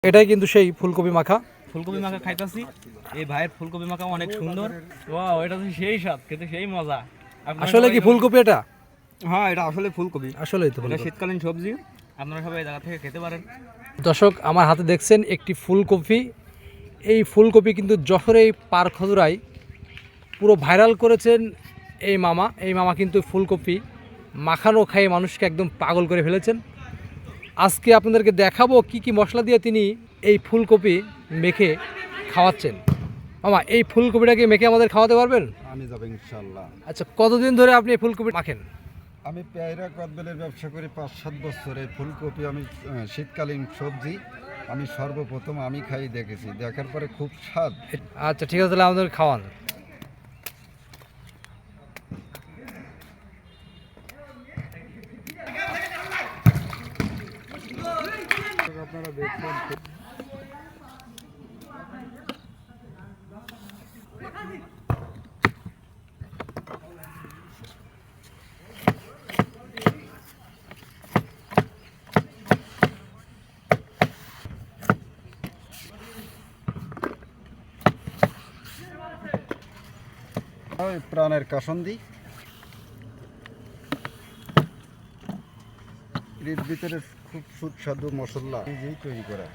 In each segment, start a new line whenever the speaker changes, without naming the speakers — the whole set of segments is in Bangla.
এটাই কিন্তু সেই ফুলকপি মাখা।
ফুলকপি মাখা খাইতাছি, এই ভাইয়ের ফুলকপি মাখা অনেক সুন্দর। ওয়াও, এটা তো সেই স্বাদ, খেতে সেই মজা।
আসলে কি ফুলকপি এটা?
হ্যাঁ, এটা আসলে ফুলকপি।
আসলেই তো
এটা শীতকালীন সবজি, আপনারা সবাই এই জায়গা থেকে খেতে পারেন।
দর্শক, আমার হাতে দেখছেন একটি ফুলকপি। এই ফুলকপি কিন্তু যশোরের পারখজুরায় পুরো ভাইরাল করেছেন এই মামা। এই মামা কিন্তু ফুলকপি মাখানো খাইয়ে মানুষকে একদম পাগল করে ফেলেছেন। আজকে আপনাদেরকে দেখাবো কি কি মশলা দিয়ে তিনি এই ফুলকপি মেখে খাওয়াচ্ছেন। মামা, এই ফুলকপিটাকে মেখে আমাদের খাওয়াতে পারবেন?
আমি যাবো ইনশাল্লাহ।
আচ্ছা, কতদিন ধরে আপনি এই ফুলকপি মাখেন?
আমি পেয়ারা কদবেলের ব্যবসা করি 5-7 বছর। এই ফুলকপি আমি শীতকালীন সবজি, আমি সর্বপ্রথম আমি খাই দেখেছি, দেখার পরে খুব স্বাদ।
আচ্ছা ঠিক আছে, তাহলে আমাদের খাওয়ান।
আপনারা দেখছেন প্রাণের কাসন্দি, এর ভিতরে খুব সুস্বাদু মশলা নিজেই তৈরি করা।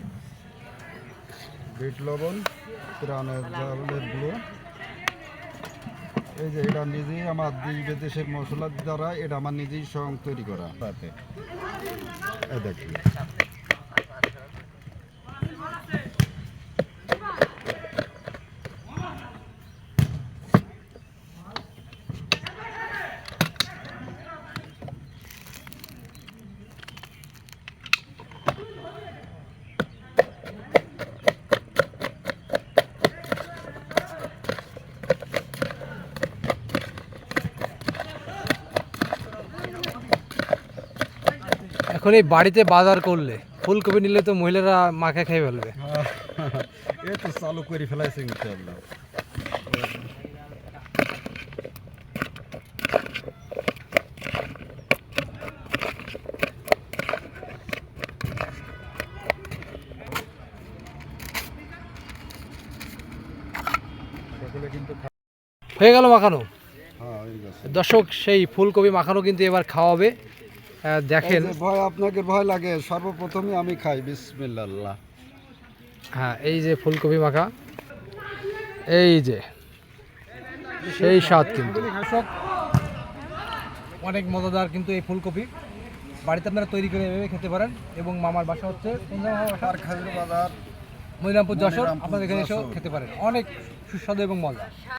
বিট লবণ, প্রাণের চাউলের গুঁড়ো, এই যে এটা নিজেই আমার বিদেশের মশলার দ্বারা এটা আমার নিজেই স্বয়ং তৈরি করা। তাতে দেখি
এখন এই বাড়িতে বাজার করলে ফুলকপি নিলে তো মহিলারা মাখা খেয়ে ফেলবে।
এ তো চালু করে ফেলাইছে ইনশাআল্লাহ।
হয়ে গেল মাখানো।
হ্যাঁ, হয়ে গেছে।
দর্শক, সেই ফুলকপি মাখানো কিন্তু এবার খাওয়াবে। দেখেন,
এই যে ভয়, আপনাকে ভয় লাগে, সর্বপ্রথমে আমি খাই। বিসমিল্লাহ।
হ্যাঁ, এই যে ফুলকপি মাখা, এই যে সেই স্বাদ কিন্তু। অনেক মজাদার কিন্তু এই ফুলকপি। বাড়িতে আপনারা তৈরি করে এভাবে খেতে পারেন। এবং মামার বাসা হচ্ছে
খাজুর বাজার,
মনিরামপুর, যশোর।
মনিরামপুর,
আপনাদের এখানে এসেও
যশোর।
খেতে পারেন, অনেক সুস্বাদু এবং মজা।